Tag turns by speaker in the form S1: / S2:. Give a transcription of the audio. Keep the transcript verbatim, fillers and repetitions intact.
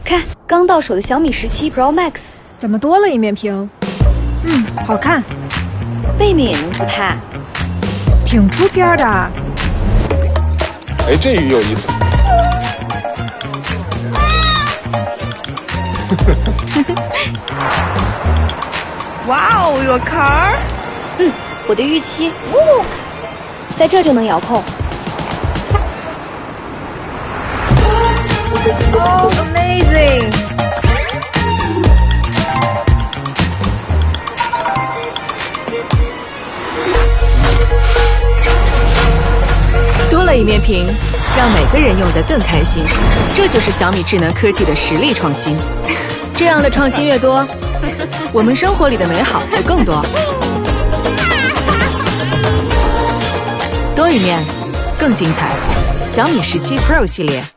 S1: 看，刚到手的小米十七 Pro Max，
S2: 怎么多了一面屏？嗯，好看。
S1: 背面也能自拍，
S2: 挺出片的。
S3: 哎，这鱼有意思。
S2: 哇哦，有 car。
S1: 嗯，我的预期，哦，在这就能遥控。
S2: Oh, amazing！
S4: 多了一面屏，让每个人用得更开心。这就是小米智能科技的实力创新。这样的创新越多，我们生活里的美好就更多。多一面，更精彩。小米十七 Pro 系列。